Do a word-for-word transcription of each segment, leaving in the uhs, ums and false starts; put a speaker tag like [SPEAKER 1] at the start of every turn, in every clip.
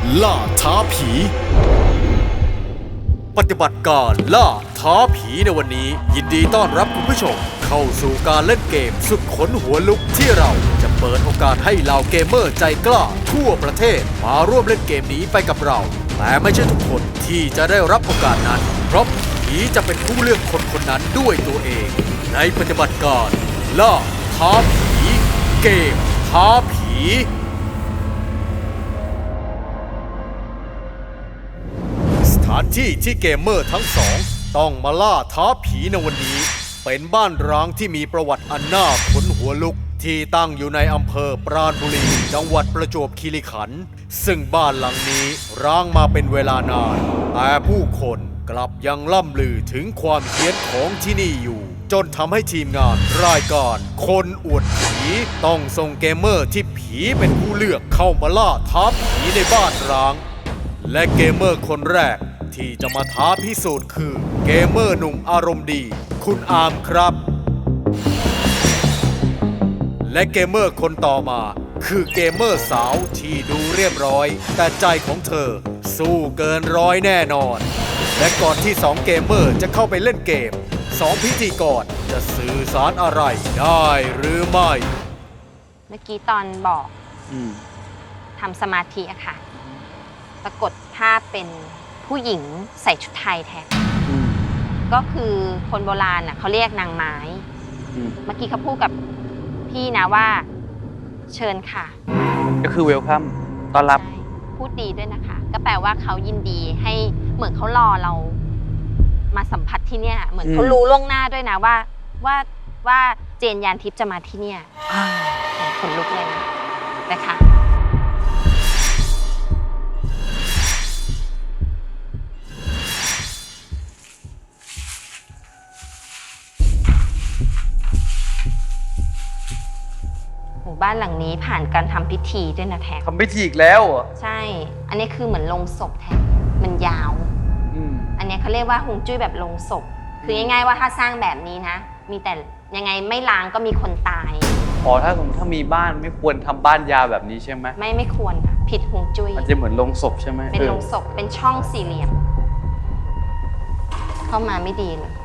[SPEAKER 1] ล่าท้าผีปฏิบัติการล่าท้าผีในวันนี้ยินดีต้อนรับคุณผู้ชมเข้าสู่การเล่นเกมสุดขนหัวลุกที่เราจะเปิดโอกาสให้เหล่าเกมเมอร์ใจกล้าทั่วประเทศมาร่วมเล่นเกมนี้ไปกับเราแต่ไม่ใช่ทุกคนที่จะได้รับโอกาสนั้นเพราะผีจะเป็นผู้เลือกคนคนนั้นด้วยตัวเองในปฏิบัติการล่าท้าผีเกมท้าผีสถานที่ที่เกมเมอร์ทั้งสองต้องมาล่าท้าผีในวันนี้เป็นบ้านร้างที่มีประวัติอันน่าขนหัวลุกที่ตั้งอยู่ในอำเภอปราณบุรีจังหวัดประจวบคีรีขันธ์ซึ่งบ้านหลังนี้ร้างมาเป็นเวลานานแต่ผู้คนกลับยังล่ำลือถึงความเฮี้ยนของที่นี่อยู่จนทำให้ทีมงานรายการคนอวดผีต้องส่งเกมเมอร์ที่ผีเป็นผู้เลือกเข้ามาล่าท้าผีในบ้านร้างและเกมเมอร์คนแรกที่จะมาท้าพิสูจน์คือเกมเมอร์หนุ่มอารมณ์ดีคุณอาร์มครับและเกมเมอร์คนต่อมาคือเกมเมอร์สาวที่ดูเรียบร้อยแต่ใจของเธอสู้เกินร้อยแน่นอนและก่อนที่สองเกมเมอร์จะเข้าไปเล่นเกมสองพิธีกรจะสื่อสารอะไรได้หรือไม่
[SPEAKER 2] เมื่อกี้ตอนบอกทำสมาธิอะค่ะปรากฏภาพเป็นผู้หญิงใส่ชุดไทยแทนก็คือคนโบราณน่ะเขาเรียกนางไม้เมื่อกี้เขาพูดกับพี่นะว่าเชิญค่ะ
[SPEAKER 3] ก็คือเวลคัมต้อนรับ
[SPEAKER 2] พูดดีด้วยนะคะก็แปลว่าเขายินดีให้เหมือนเขารอเรามาสัมผัสที่เนี่ยเหมือนเขารู้ล่วงหน้าด้วยนะว่าว่าว่าเจนยานทิพย์จะมาที่เนี่ยขนลุกเลยนะคะบ้านหลังนี้ผ่านการทำพิธีด้วยนะแท็ก
[SPEAKER 3] ทำพิธีอีกแล้วเหรอ
[SPEAKER 2] ใช่อันนี้คือเหมือนโลงศพแท็กมันยาวอันนี้เขาเรียกว่าฮวงจุ้ยแบบโลงศพคือง่ายๆว่าถ้าสร้างแบบนี้นะมีแต่ยังไงไม่ล้างก็มีคนตาย
[SPEAKER 3] อ๋อถ้าสมมติถ้ามีบ้านไม่ควรทำบ้านยาวแบบนี้ใช่ไหม
[SPEAKER 2] ไม่ไม่ควรค่ะผิดฮวงจุ้ย
[SPEAKER 3] มันจะเหมือนโลงศพใช่ไหม
[SPEAKER 2] เป็นโลงศพเป็นช่องสี่เหลี่ยมเข้ามาไม่ดีเลย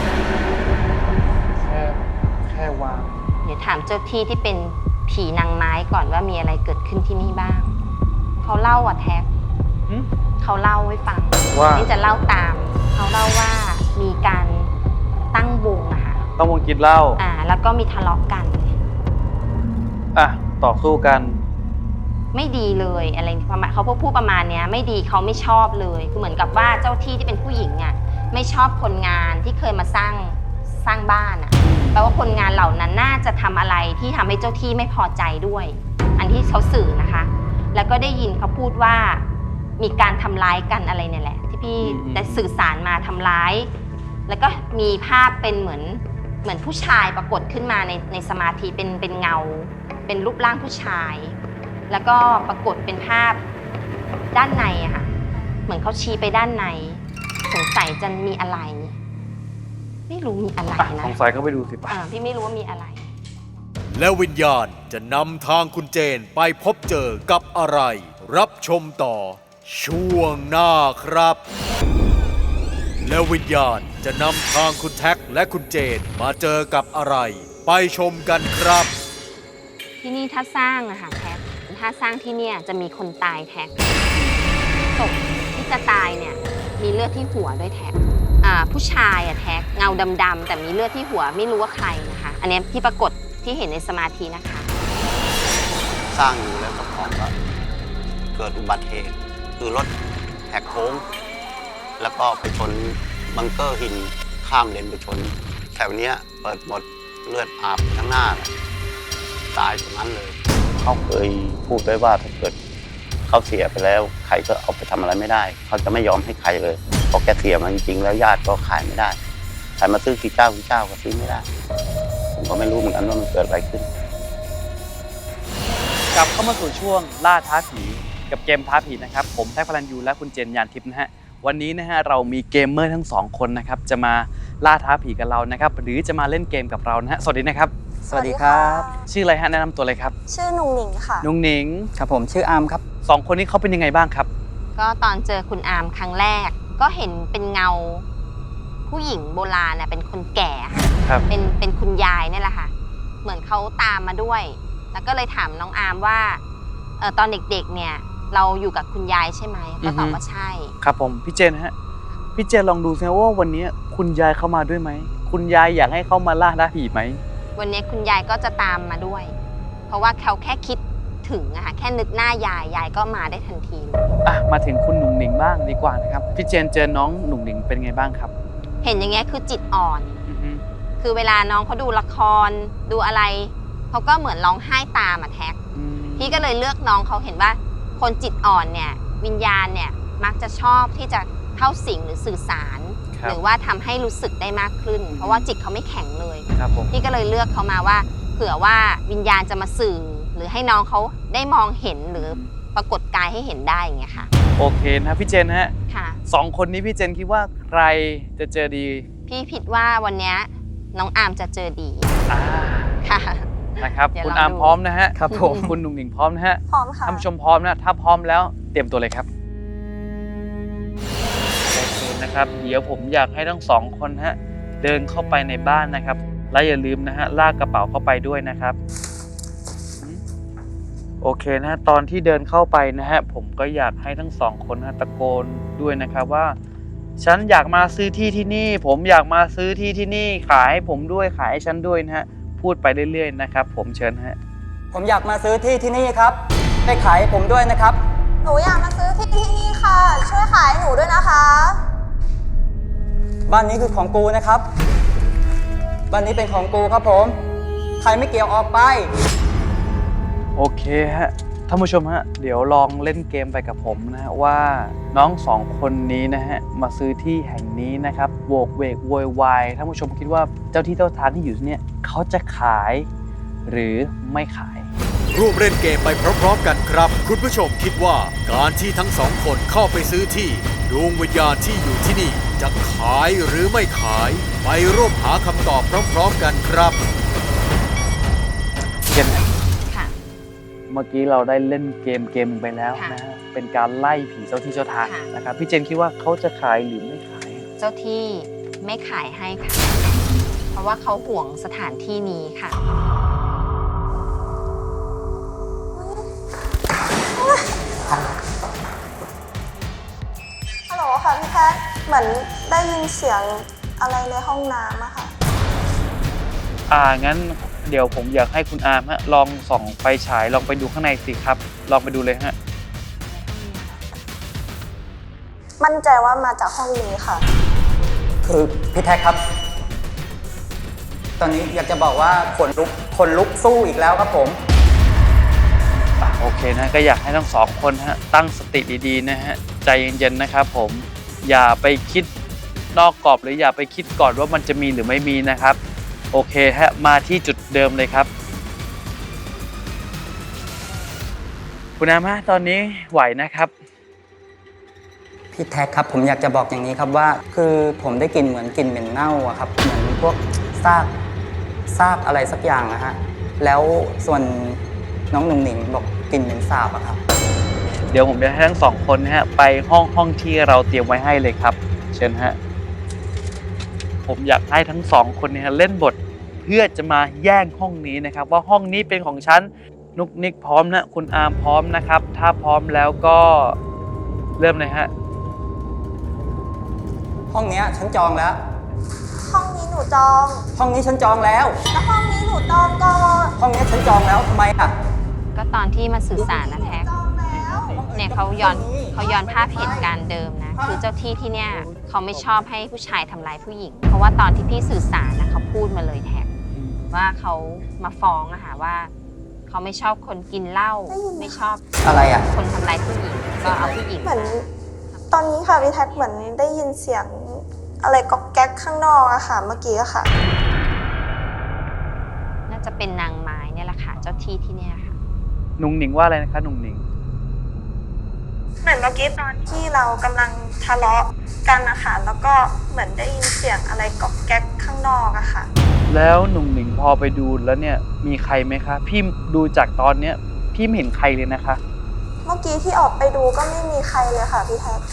[SPEAKER 3] แค่แค่วาง
[SPEAKER 2] เดี๋ยวถามเจ้าที่ที่เป็นผีนางไม้ก่อนว่ามีอะไรเกิดขึ้นที่นี่บ้างเขาเล่าอ่ะแท็กเขาเล่าให้ฟังว่านี่จะเล่าตามเขาเล่าว่ามีการตั้งวงอะค่ะ
[SPEAKER 3] ตั้งวงกินเหล้า
[SPEAKER 2] อ่าแล้วก็มีทะเลาะกัน
[SPEAKER 3] อ่ะต่อสู้กัน
[SPEAKER 2] ไม่ดีเลยอะไรประมาณเขาพูดประมาณเนี้ยไม่ดีเขาไม่ชอบเลยคือเหมือนกับว่าเจ้าที่ที่เป็นผู้หญิงอ่ะไม่ชอบคนงานที่เคยมาสร้างสร้างบ้านอ่ะแปลว่าคนงานเหล่านั้นน่าจะทำอะไรที่ทำให้เจ้าที่ไม่พอใจด้วยอันที่เขาสื่อนะคะแล้วก็ได้ยินเขาพูดว่ามีการทำร้ายกันอะไรเนี่ยแหละที่พี่ได้สื่อสารมาทำร้ายแล้วก็มีภาพเป็นเหมือนเหมือนผู้ชายปรากฏขึ้นมาในในสมาธิเป็นเป็นเงาเป็นรูปร่างผู้ชายแล้วก็ปรากฏเป็นภาพด้านในอะค่ะเหมือนเขาชี้ไปด้านในสงสัยจะมีอะไรไม่รู้มีอะไรนะ
[SPEAKER 3] สงสัยเขาไปดูสิป่ะ
[SPEAKER 2] พี่ไม่รู้ว่ามีอะไร
[SPEAKER 1] แล้ววิญญาณจะนำทางคุณเจนไปพบเจอกับอะไรรับชมต่อช่วงหน้าครับแล้ววิญญาณจะนำทางคุณแท็กและคุณเจนมาเจอกับอะไรไปชมกันครับ
[SPEAKER 2] ที่นี่ถ้าสร้างอะค่ะแท็กถ้าสร้างที่เนี่ยจะมีคนตายแท็กศพที่จะตายเนี่ยมีเลือดที่หัวด้วยแท็กผู้ชายอะแท็กเงาดำๆแต่มีเลือดที่หัวไม่รู้ว่าใครนะคะอันนี้ที่ปรากฏที่เห็นในสมาธินะคะ
[SPEAKER 4] สร้างอยู่แล้วก็ของก็เกิดอุบัติเหตุคือรถแหกโค้งแล้วก็ไปชนบังเกอร์หินข้ามเลนไปชนแถวนี้เปิดหมดเลือดอาบทั้งหน้าตายตรงนั้นเลยเขาเคยพูดไว้ว่าถ้าเกิดเขาเสียไปแล้วใครก็เอาไปทำอะไรไม่ได้เขาจะไม่ยอมให้ใครเลยพอแกเสียมาจริงๆแล้วญาติก็ขายไม่ได้ใครมาซื้อกี่เจ้ากี่เจ้าก็ซื้อไม่ได้ผมก็ไม่รู้เหมือนกันว่ามันเกิดอะไรขึ้น
[SPEAKER 3] กลับเข้ามาสู่ช่วงล่าท้าผีกับเกมท้าผีนะครับผมแท็กพลันยูและคุณเจนยานทิพย์นะฮะวันนี้นะฮะเรามีเกมเมอร์ทั้งสองคนนะครับจะมาล่าท้าผีกับเรานะครับหรือจะมาเล่นเกมกับเรานะฮะสวัสดีนะครับ
[SPEAKER 5] สวัสดีครับ
[SPEAKER 3] ชื่ออะไรฮะแนะนำตัวเลยครับ
[SPEAKER 5] ชื่อนุงหนิงค่ะ
[SPEAKER 3] นุงหนิง
[SPEAKER 5] ครับผมชื่ออาร์มครับ
[SPEAKER 3] สองคนนี้เขาเป็นยังไงบ้างครับ
[SPEAKER 2] ก็ตอนเจอคุณอามครั้งแรก ก็เห็นเป็นเงาผู้หญิงโบราณน่ะเป็นคนแก่ค่ะ
[SPEAKER 3] ครับ
[SPEAKER 2] เป็นเป็นคุณยายเนี่ยแหละค่ะ เหมือนเขาตามมาด้วย แล้วก็เลยถามน้องอามว่าเออตอนเด็กๆเนี่ยเราอยู่กับคุณยายใช่ไหมก็ตอบว่าใช่
[SPEAKER 3] ครับผมพี่เจนฮะพี่เจนลองดูสิว่าวันนี้คุณยายเข้ามาด้วยไหมคุณยายอยากให้เขามาล่าท้าผีไหม
[SPEAKER 2] วันนี้คุณยายก็จะตามมาด้วย เพราะว่าเขาแค่คิดถึงอะค่ะแค่นึกหน้ายายยายก็มาได้ทันทีเลย
[SPEAKER 3] อ่ะมาถึงคุณหนุ่งหนิงบ้างดีกว่านะครับพี่เจนเจอน้องหนุ่งหนิงเป็นไงบ้างครับ
[SPEAKER 2] เห็นอย่างเงี้ยคือจิตอ่อน
[SPEAKER 3] อือฮึ
[SPEAKER 2] คือเวลาน้องเขาดูละครดูอะไรเขาก็เหมือนร้องไห้ตามอะแท็ก
[SPEAKER 3] อืม
[SPEAKER 2] พี่ก็เลยเลือกน้องเขาเห็นว่าคนจิตอ่อนเนี่ยวิญญาณเนี่ยมักจะชอบที่จะเข้าสิงหรือสื่อสาร
[SPEAKER 3] ครับ
[SPEAKER 2] หรือว่าทำให้รู้สึกได้มากขึ้น เพราะว่าจิตเขาไม่แข็งเลย
[SPEAKER 3] ครับผม
[SPEAKER 2] พี่ก็เลยเลือกเขามาว่าเผื่อว่าวิญญาณจะมาสื่อ หรือให้น้องเขาได้มองเห็นหรือปรากฏกายให้เห็นได้อย่างเงี้ยค่ะ
[SPEAKER 3] โอเคนะพี่เจนฮะ
[SPEAKER 2] ค่ะ
[SPEAKER 3] สองคนนี้พี่เจนคิดว่าใครจะเจอดี
[SPEAKER 2] พี่คิดว่าวันเนี้ยน้องอาร์มจะเจอดี
[SPEAKER 3] อ่า
[SPEAKER 2] ค่ะ
[SPEAKER 3] นะครับ
[SPEAKER 2] เดี๋ยว
[SPEAKER 3] คุณ
[SPEAKER 2] ลอง
[SPEAKER 3] อาร์ม
[SPEAKER 2] ดู
[SPEAKER 3] พร้อมนะฮะ
[SPEAKER 5] ครับผม
[SPEAKER 3] คุณหนุ่งหนิงพร้อมนะฮะ
[SPEAKER 5] พร้อมค่ะ
[SPEAKER 3] ท่านผู้ชมพร้อมนะถ้าพร้อมแล้วเตรียมตัวเลยครับโอเคนะครับเดี๋ยวผมอยากให้ทั้งสองคนฮะเดินเข้าไปในบ้านนะครับและอย่าลืมนะฮะลากกระเป๋าเข้าไปด้วยนะครับโอเคนะฮะตอนที่เดินเข้าไปนะฮะผมก็อยากให้ทั้งสองคนนะตะโกนด้วยนะครับว่า ฉันอยากมาซื้อที่ที่นี่ ผมอยากมาซื้อที่ที่นี่ขายให้ผมด้วยขายให้ฉันด้วยนะฮะพูดไปเรื่อยๆนะครับผมเชิญฮะ
[SPEAKER 5] ผมอยากมาซื้อที่ที่นี่ครับได้ขายให้ผมด้วยนะครับ
[SPEAKER 6] หนูอยากมาซื้อที่ที่นี่ค่ะ ช่วยขายให้หนูด้วยนะคะ
[SPEAKER 5] บ้านนี้คือของกูนะครับ บ้านนี้เป็นของกูครับผม ใครไม่เกี่ยวออกไป
[SPEAKER 3] โอเคฮะท่านผู้ชมฮะเดี๋ยวลองเล่นเกมไปกับผมนะฮะว่าน้องสองคนนี้นะฮะมาซื้อที่แห่งนี้นะครับโวกเวกโวยวายท่านผู้ชมคิดว่าเจ้าที่เจ้าทางที่อยู่ที่เนี่ยเขาจะขายหรือไม่ขาย
[SPEAKER 1] ร่วมเล่นเกมไปพร้อมๆกันครับ คุณผู้ชมคิดว่าการที่ทั้งสองคนเข้าไปซื้อที่ดวงวิญญาณที่อยู่ที่นี่จะขายหรือไม่ขาย ไปร่วมหาคำตอบพร้อมๆกันครับ
[SPEAKER 3] เจนฮะ
[SPEAKER 2] ค่ะ
[SPEAKER 3] เมื่อกี้เราได้เล่นเกมเกมหนึ่งไปแล้ว
[SPEAKER 2] ค่ะ
[SPEAKER 3] นะฮะเป็นการไล่ผีเจ้าที่เจ้าทาง
[SPEAKER 2] ค่ะ
[SPEAKER 3] นะครับพี่เจนคิดว่าเขาจะขายหรือไม่ขาย
[SPEAKER 2] เจ้าที่ไม่ขายให้ค่ะ เพราะว่าเขาห่วงสถานที่นี้ค่ะ
[SPEAKER 6] ฮัลโหลค่ะพี่แพทย์เหมือนได้ยินเสียงอะไรในห้องน้ำอะค่ะ
[SPEAKER 3] อ่างั้นเดี๋ยวผมอยากให้คุณอาร์มฮะลองส่องไฟฉายลองไปดูข้างในสิครับลองไปดูเลยฮะ
[SPEAKER 6] มั่นใจว่ามาจากห้องนี้ค่ะ
[SPEAKER 5] คือพี่แท็กครับ ตอนนี้อยากจะบอกว่าขนลุกขนลุกสู้อีกแล้วครับผม
[SPEAKER 3] อ่ะโอเคนะก็อยากให้ทั้งสองคนฮะตั้งสติดีๆนะฮะใจเย็นๆนะครับผมอย่าไปคิดนอกกรอบหรืออย่าไปคิดก่อนว่ามันจะมีหรือไม่มีนะครับโอเคฮะมาที่จุดเดิมเลยครับคุณอาร์มฮะตอนนี้ไหวนะครับ
[SPEAKER 5] พี่แท็กครับผมอยากจะบอกอย่างนี้ครับว่า คือผมได้กลิ่นเหมือนกลิ่นเหม็นเน่าอะครับเหมือนพวกซากซากอะไรสักอย่างนะฮะแล้วส่วนน้องหนุ่งหนิงบอกกลิ่นเหม็นสาบอะครับ
[SPEAKER 3] เดี๋ยวผมจะให้ทั้งสองคนนะฮะไปห้องห้องที่เราเตรียมไว้ให้เลยครับ เชิญฮะผมอยากให้ทั้งสองคนเนี่ยเล่นบทเพื่อจะมาแย่งห้องนี้นะครับ ว่าห้องนี้เป็นของฉันนุกนิกพร้อมนะคุณอาร์มพร้อมนะครับ ถ้าพร้อมแล้วก็เริ่มเลยฮะ
[SPEAKER 5] ห้องเนี้ยฉันจองแล้ว
[SPEAKER 6] ห้องนี้หนูจอง
[SPEAKER 5] ห้องนี้ฉันจองแล้ว
[SPEAKER 6] แล้วห้องนี้หนูจองก่อน
[SPEAKER 5] ห้องเนี้ยฉันจองแล้วทำไมอะ
[SPEAKER 2] ก็ตอนที่มาสื่อสารนะแท็ก
[SPEAKER 6] จองแล้ว
[SPEAKER 2] เนี่ยเขาย้อนเขาย้อนภาพเหตุการณ์เดิมนะ คือเจ้าที่ที่เนี่ยเขาไม่ชอบให้ผู้ชายทำร้ายผู้หญิง เพราะว่าตอนที่พี่สื่อสารนะเขาพูดมาเลยแท็กว่าเขามาฟ้องอะค่ะว่าเขาไม่ชอบคนกินเหล้าไม่ชอบ
[SPEAKER 5] อะไรอะ
[SPEAKER 2] คนทำร้ายผู้หญิงก็เอาผู้หญิง
[SPEAKER 6] เหมือนตอนนี้ค่ะพี่แท็กเหมือนได้ยินเสียงอะไรก๊อกแก๊กข้างนอกอะค่ะ เมื่อกี้อะค่ะ
[SPEAKER 2] น่าจะเป็นนางไม้เนี่ยแหละค่ะเจ้าที่ที่เนี่ยค่ะ
[SPEAKER 3] หนุ่งหนิงว่าอะไรนะคะหนุ่งหนิง
[SPEAKER 6] เหมือนเมื่อกี้ตอนที่เรากำลังทะเลาะกันนะคะแล้วก็เหมือนได้ยินเสียงอะไรก๊อกแก๊กข้างนอกอะค่ะ
[SPEAKER 3] อแล้วหนุ่มหนิงพอไปดูแล้วเนี่ยมีใครไหมคะพี่ดูจากตอนเนี้ยพี่ไม่เห็นใครเลยนะคะ
[SPEAKER 6] เมื่อกี้ที่ออกไปดูก็ไม่มีใครเลยค่ะพี่แท็ก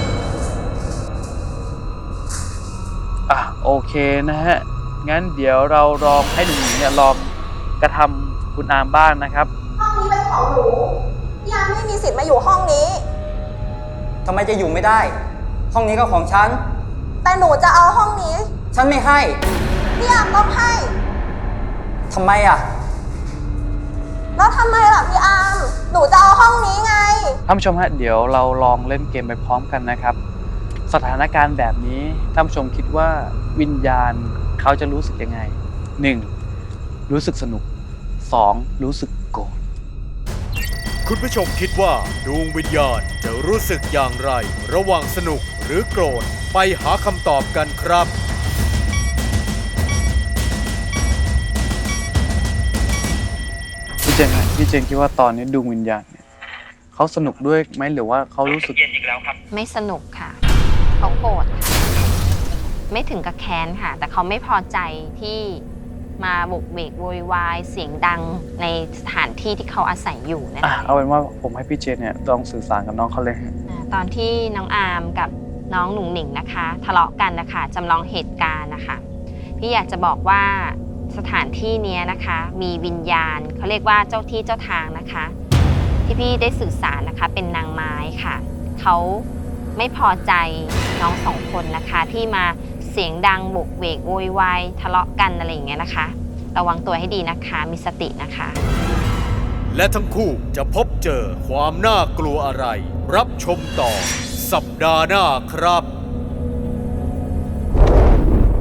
[SPEAKER 3] อ่ะโอเคนะฮะงั้นเดี๋ยวเราลองให้หนุ่มหนิงเนี่ยลองกระทำคุณอามบ้างนะครับ
[SPEAKER 6] ห้องนี้เป็นของหนูพี่อาร์มไม่มีสิทธิ์มาอยู่ห้องนี้
[SPEAKER 5] ทำไมจะอยู่ไม่ได้ ห้องนี้ก็ของฉัน
[SPEAKER 6] แต่หนูจะเอาห้องนี้
[SPEAKER 5] ฉันไม่ให้
[SPEAKER 6] พี่อาร์มต้องให้
[SPEAKER 5] ทำไมอ่ะ
[SPEAKER 6] แล้วทำไมล่ะพี่อาร์มหนูจะเอาห้องนี้ไง
[SPEAKER 3] ท่านผู้ชมฮะเดี๋ยวเราลองเล่นเกมไปพร้อมกันนะครับ สถานการณ์แบบนี้ท่านผู้ชมคิดว่าวิญญาณเขาจะรู้สึกยังไง หนึ่ง รู้สึกสนุก สอง รู้สึกโกรธ
[SPEAKER 1] คุณผู้ชมคิดว่าดวงวิญญาณจะรู้สึกอย่างไร ระหว่างสนุกหรือโกรธ ไปหาคำตอบกันครับ
[SPEAKER 3] พี่เจนฮะพี่เจนคิดว่าตอนนี้ดวงวิญญาณเนี่ยเขาสนุกด้วยไหมหรือว่าเขารู้สึก
[SPEAKER 2] ไม่สนุกค่ะเขาโกรธค่ะไม่ถึงกับแค้นค่ะ แต่เขาไม่พอใจที่มาบุกเบกโวยวายเสียงดังในสถานที่ที่เขาอาศัยอยู่นะ
[SPEAKER 3] อ่ะ
[SPEAKER 2] คะ
[SPEAKER 3] เอาเป็นว่าผมให้พี่เจนเนี่ยลองสื่อสารกับน้องเขาเลยฮะ
[SPEAKER 2] อ่าตอนที่น้องอาร์มกับน้องหนุ่งหนิงนะคะ ทะเลาะกันนะคะจำลองเหตุการณ์นะคะพี่อยากจะบอกว่าสถานที่เนี้ยนะคะ มีวิญญาณเขาเรียกว่าเจ้าที่เจ้าทางนะคะ ที่พี่ได้สื่อสารนะคะเป็นนางไม้ค่ะเขาไม่พอใจน้องสองคนนะคะที่มาเสียงดังโบกเวกโวยวายทะเลาะกันอะไรอย่างเงี้ยนะคะระวังตัวให้ดีนะคะมีสตินะคะ
[SPEAKER 1] และทั้งคู่จะพบเจอความน่ากลัวอะไร รับชมต่อสัปดาห์หน้าครับ